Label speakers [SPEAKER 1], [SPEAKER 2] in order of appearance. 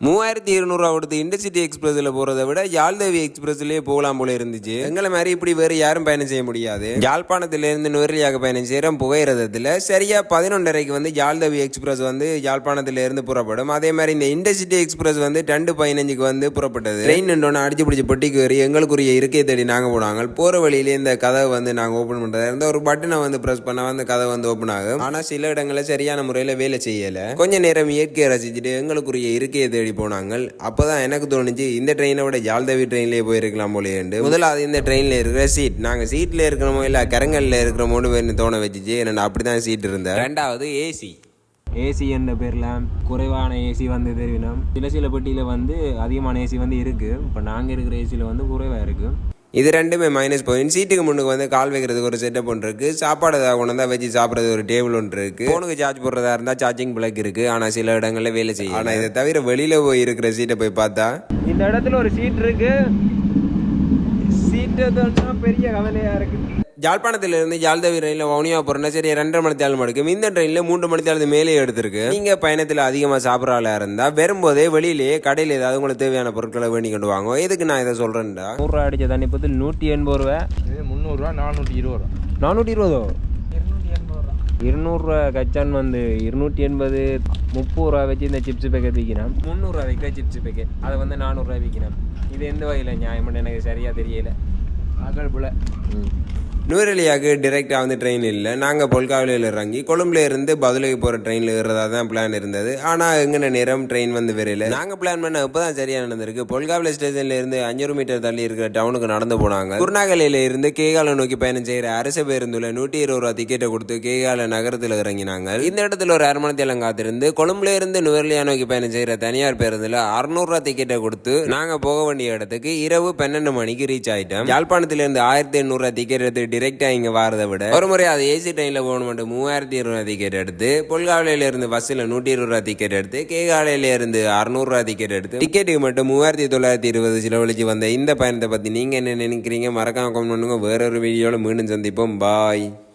[SPEAKER 1] 3200 கொடுத்து இன்டர்சிட்டி எக்ஸ்பிரஸ்ல போறதை விட யாழ்தேவி எக்ஸ்பிரஸ்லயே போகலாம் போல இருந்துச்சு. எங்களை மாதிரி இப்படி வேற யாரும் பயணம் செய்ய முடியாது. யாழ்ப்பாணத்திலிருந்து நுவரெலியாவுக்கு பயணம் செய்யறோம் புகையிரதத்துல சரியா 11:30க்கு வந்து யாழ்தேவி எக்ஸ்பிரஸ் வந்து யாழ்ப்பாணத்திலிருந்து புறப்படும். அதே மாதிரி இந்த இன்டர்சிட்டி எக்ஸ்பிரஸ் வந்து 2:15க்கு வந்து புறப்பட்டது. ட்ரெயின் நின்றோன்னு அடிச்சு பிடிச்சி பொட்டிக்கு வரி எங்களுக்குரிய இருக்கை தேடி நாங்க போனாங்க. போற வழியிலே இந்த கதவை வந்து நாங்க ஓபன் பண்றதா இருந்த ஒரு பட்டனை வந்து பிரஸ் பண்ணா வந்து கதை வந்து ஓபன் ஆகும். ஆனா சில இடங்களில் சரியான முறையில வேலை செய்யல. கொஞ்ச நேரம் இயற்கையை ரசிச்சுட்டு எங்களுக்குரிய இருக்கையை தேடி போனாங்க. அப்பதான் எனக்கு தோணுச்சு இந்த ட்ரெயினை விட யாழ்தேவி ட்ரெயின்லேயே போயிருக்கலாம் போலேண்டு. முதலாவது இந்த ட்ரெயின்ல இருக்கிற சீட் நாங்க சீட்ல இருக்கிறோமோ இல்ல கரங்கல்ல இருக்கிறோமோன்னு தோண வச்சுச்சு. என்னடா அப்படிதான் சீட் இருந்தேன். ரெண்டாவது ஏசி என்ற பேர்ல குறைவான ஏசி வந்து தெரிவினோம். சில பெட்டியில வந்து அதிகமான ஏசி வந்து இருக்கு. இப்போ நாங்க இருக்கிற ஏசியில வந்து குறைவா இருக்கு. இது ரெண்டுமே மைனஸ் பாயிண்ட். சீட்டுக்கு முன்னுக்கு வந்து கால் வைக்கிறதுக்கு ஒரு செட்டப் ஒன்று இருக்கு. சாப்பாடு ஏதாவது கொண்டு வந்தால் வச்சு சாப்பிட்றது ஒரு டேபிள் ஒன்று இருக்கு. ஃபோனுக்கு சார்ஜ் போடுறதா இருந்தால் சார்ஜிங் பிளக் இருக்கு. ஆனால் சில இடங்கள்ல வேலை செய்யும். ஆனால் இதை தவிர வெளியில போய் இருக்கிற சீட்டை போய் பார்த்தா இந்த இடத்துல ஒரு சீட் இருக்கு. சீட்டு தான் பெரிய கவலையா இருக்கு. யாழ்ப்பாணத்திலிருந்து யாழ்தேவி ரயிலில் வவுனியா போகிறோன்னா சரி 2.5 மணி நேரம் எடுக்கும். இந்த ட்ரெயினில் 3 மணி நேரத்துக்கு மேலே எடுத்திருக்கு. நீங்கள் பயணத்தில் அதிகமாக சாப்பிட்ற ஆளாக இருந்தால் வரும்போதே வெளியிலேயே கடையில் ஏதாவது உங்களுக்கு தேவையான பொருட்களை வேண்டி கொண்டு வாங்க. எதுக்கு நான் இதை சொல்கிறேன்டா, 100 ரூபா அடித்த தண்ணி பற்றி 180 ரூபா, 300 ரூபா, 420 ரூபா, 420 200 ரூபா கச்சான் வந்து 280 30 ரூபா வச்சு இந்த சிப்ஸ் பேக்கெட் விற்கணும். 300 ரூபா விற்கிற சிப்ஸ் பேக்கெட் அதை வந்து 400 ரூபா விற்கணும். இது எந்த வகையில் நியாயம்னு எனக்கு சரியாக தெரியல. மகள் போல நுவரெலியாவுக்கு டிரெக்டாக வந்து ட்ரெயின் இல்லை. நாங்கள் பொல்காவிலையில் இறங்கி கொழும்புல இருந்து பதுளைக்கு போகிற ட்ரெயினில் ஏறுறதா தான் பிளான் இருந்தது. ஆனால் எங்கன நேரம் ட்ரெயின் வந்து வரையில. நாங்கள் பிளான் பண்ண இப்போ தான் சரியாக நடந்திருக்கு. பொல்காவில ஸ்டேஷன்ல இருந்து 500 மீட்டர் தள்ளி இருக்கிற டவுனுக்கு நடந்து போனாங்க. குருநாகலையில இருந்து கேகால நோக்கி பயணம் செய்கிற அரசு பேருந்துல 120 ரூபா டிக்கெட்டை கொடுத்து கேகால நகரத்தில் இறங்கினாங்க. இந்த இடத்துல ஒரு 1/2 மணி நேரம் காத்திருந்து கொழும்புல இருந்து நுவரெலியா நோக்கி பயணம் செய்கிற தனியார் பேருந்துல 600 ரூபா டிக்கெட்டை கொடுத்து நாங்கள் போக வேண்டிய இடத்துக்கு இரவு 12 மணிக்கு ரீச் ஆயிட்டோம். யாழ்ப்பாணத்திலிருந்து 1800 ரூபா டிக்கெட் எடுத்து டிரெக்டா இங்க வாரதை விட ஒரு முறை அது ஏசி ட்ரெயின்ல போகணும் 3200 ரூபா டிக்கெட் எடுத்து பொல்காவில இருந்து பஸ்ல 120 ரூபா டிக்கெட் எடுத்து கேகாலையில இருந்து 600 ரூபா டிக்கெட் எடுத்து டிக்கெட்டுக்கு மட்டும் 3920 செலவழிச்சு வந்த இந்த பயணத்தை பத்தி நீங்க என்ன நினைக்கிறீங்க? மறக்காம கமெண்ட் பண்ணுங்க. வேற ஒரு வீடியோல மீண்டும் சந்திப்போம். பாய்.